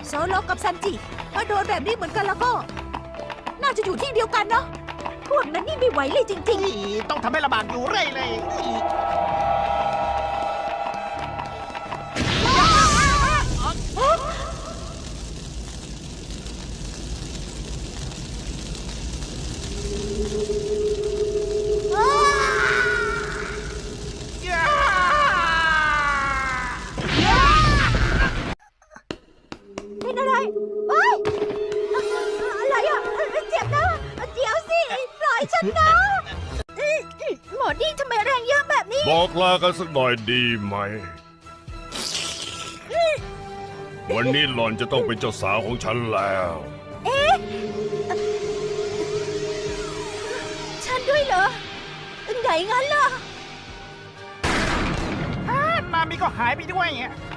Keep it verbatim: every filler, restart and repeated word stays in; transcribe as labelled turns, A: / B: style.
A: โซโลกับซันจิถ้าโดนแบบนี้เหมือนกันแล้วก็ น่าจะอยู่ที่เดียวกันเนาะพวกนั้นนี่ไม่ไหวเลยจริง
B: นี่ต้องทำให้ลำบากอยู่เรื่อยเลย
A: ๆ เป็นอะไรเฮ้ยอะไรอ่ะเจ็บนะเดี๋ยวสิปล่อยฉันนะหมอนี่ทำไมแรงเยอะแบบนี้
C: บอกลากันสักหน่อยดีไหม วันนี้หล่อนจะต้องเป็นเจ้าสาวของฉันแล้ว
A: ฉันด้วยเหรอไหนงั้นล่ะ
B: นามิก็หายไปด้วย